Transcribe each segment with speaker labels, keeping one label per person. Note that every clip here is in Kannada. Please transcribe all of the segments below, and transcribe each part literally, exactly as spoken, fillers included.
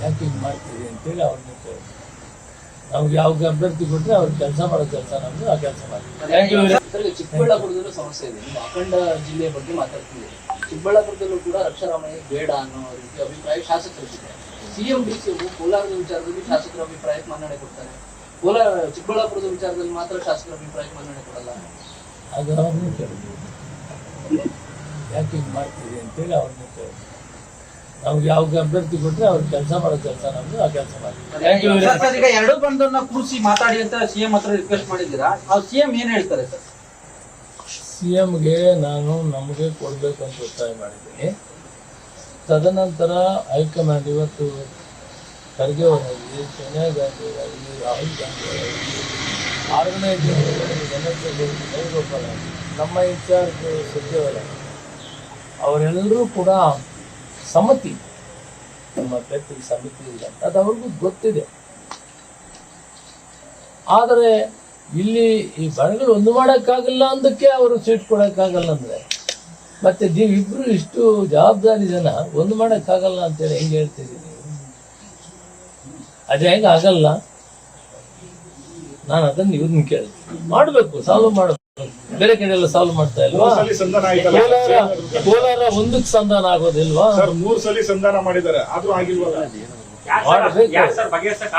Speaker 1: ಯಾಕೆ ಹಿಂಗೆ ಮಾಡ್ತೀವಿ ಅಂತೇಳಿ ಅವ್ರನ್ನ ಕೇಳಿ ನಮ್ಗೆ ಯಾವ ಅಭ್ಯರ್ಥಿ ಕೊಟ್ಟರೆ ಅವ್ರು ಕೆಲಸ ಮಾಡೋ ಕೆಲಸ ನಮ್ದು ಆ ಕೆಲಸ ಮಾಡ್ತೀವಿ.
Speaker 2: ಚಿಕ್ಕಬಳ್ಳಾಪುರದಲ್ಲೂ ಸಮಸ್ಯೆ ಇದೆ. ನೀವು ಅಖಂಡ ಜಿಲ್ಲೆಯ ಬಗ್ಗೆ ಮಾತಾಡ್ತಿದ್ದೀರಿ. ಚಿಕ್ಕಬಳ್ಳಾಪುರದಲ್ಲೂ ಕೂಡ ರಕ್ಷಾರಾಮಯ್ಯ ಬೇಡ ಅನ್ನೋ ರೀತಿ ಅಭಿಪ್ರಾಯ ಶಾಸಕರಿಗಿದೆ. ಸಿಎಂ ಡಿ ಸಿ ಕೋಲಾರದ ವಿಚಾರದಲ್ಲಿ ಶಾಸಕರ ಅಭಿಪ್ರಾಯಕ್ಕೆ ಮನ್ನಣೆ ಕೊಡ್ತಾರೆ. ಕೋಲಾರ ಚಿಕ್ಕಬಳ್ಳಾಪುರದ ವಿಚಾರದಲ್ಲಿ ಮಾತ್ರ ಶಾಸಕರ ಅಭಿಪ್ರಾಯಕ್ಕೆ ಮನ್ನಣೆ ಕೊಡಲ್ಲ.
Speaker 1: ಅದು ಅವ್ರನ್ನ ಕೇಳಿದ್ವಿ ಯಾಕೆ ಹಿಂಗೆ ಮಾಡ್ತೀವಿ ಅಂತೇಳಿ ಅವ್ರನ್ನ ಕೇಳಿದ್ವಿ ನಮ್ಗೆ ಯಾವ ಅಭ್ಯರ್ಥಿ ಕೊಟ್ಟರೆ ಅವ್ರು ಕೆಲಸ ಮಾಡೋ ಕೆಲಸ ನಮ್ದು ಆ ಕೆಲಸ ಮಾಡ್ತೀವಿ.
Speaker 3: ಈಗ ಎರಡು ಬಂದನ್ನ ಕೂರಿಸಿ ಮಾತಾಡಿ ಅಂತ ಸಿಎಂ ಹತ್ರ ರಿಕ್ವೆಸ್ಟ್ ಮಾಡಿದ್ದೀರಾ? ಆ ಸಿಎಂ ಏನ್ ಹೇಳ್ತಾರೆ ಸರ್?
Speaker 1: ಸಿಎಂಗೆ ನಾನು ನಮಗೆ ಕೊಡಬೇಕು ಅಂತ ಒತ್ತಾಯ ಮಾಡಿದ್ದೀನಿ. ತದನಂತರ ಹೈಕಮಾಂಡ್ ಇವತ್ತು ಖರ್ಗೆ ಅವರಾಗಲಿ, ಸೋನಿಯಾ ಗಾಂಧಿ ಅವರಾಗಲಿ, ರಾಹುಲ್ ಗಾಂಧಿ ಅವರಾಗಲಿ, ಆರನೇ ವೇಣುಗೋಪಾಲ್ ಆಗಲಿ, ನಮ್ಮ ಇನ್ಚಾರ್ಜ್ ಸುರ್ಜೇವಾಲ ಅವರೆಲ್ಲರೂ ಕೂಡ ಸಮ್ಮತಿ ನಮ್ಮ ಅಭ್ಯರ್ಥಿಗೆ ಸಮಿತಿ ಇಲ್ಲ ಅಂತ ಅದು ಅವ್ರಿಗೂ ಗೊತ್ತಿದೆ. ಆದರೆ ಇಲ್ಲಿ ಈ ಬಣಗಳು ಒಂದು ಮಾಡೋಕ್ಕಾಗಲ್ಲ ಅಂದಕ್ಕೆ ಅವರು ಸೀಟ್ ಕೊಡೋಕ್ಕಾಗಲ್ಲ ಅಂದರೆ ಮತ್ತೆ ನೀವಿಬ್ರು ಇಷ್ಟು ಜವಾಬ್ದಾರಿ ಜನ ಒಂದು ಮಾಡೋಕ್ಕಾಗಲ್ಲ ಅಂತೇಳಿ ಹೆಂಗೆ ಹೇಳ್ತೀರಿ ನೀವು? ಅದು ಹೆಂಗೆ ಆಗಲ್ಲ? ನಾನು ಅದನ್ನು ಇವ್ರನ್ನ ಕೇಳ್ತೀನಿ. ಮಾಡಬೇಕು, ಸಾಲ್ವ್ ಮಾಡಬೇಕು. ಬೇರೆ ಕಡೆ ಎಲ್ಲ ಸಾಲ್ವ್ ಮಾಡ್ತಾ ಇಲ್ವಾ? ಕೋಲಾರ ಕೋಲಾರ ಒಂದಕ್ಕೆ ಸಂಧಾನ ಆಗೋದಿಲ್ವಾ?
Speaker 4: ಮೂರು ಸಲ ಸಂಧಾನ ಮಾಡಿದ್ದಾರೆ, ಆದ್ರೂ ಆಗಿಲ್ವಲ್ಲ.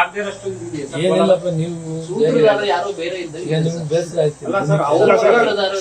Speaker 1: ಏನಿಲ್ಲಪ್ಪ, ನೀವು
Speaker 2: ಯಾರೋ ಬೇರೆ ಇದ್ದ
Speaker 1: ನಿಮ್ಗೆ ಬೇಸರ ಆಯ್ತು.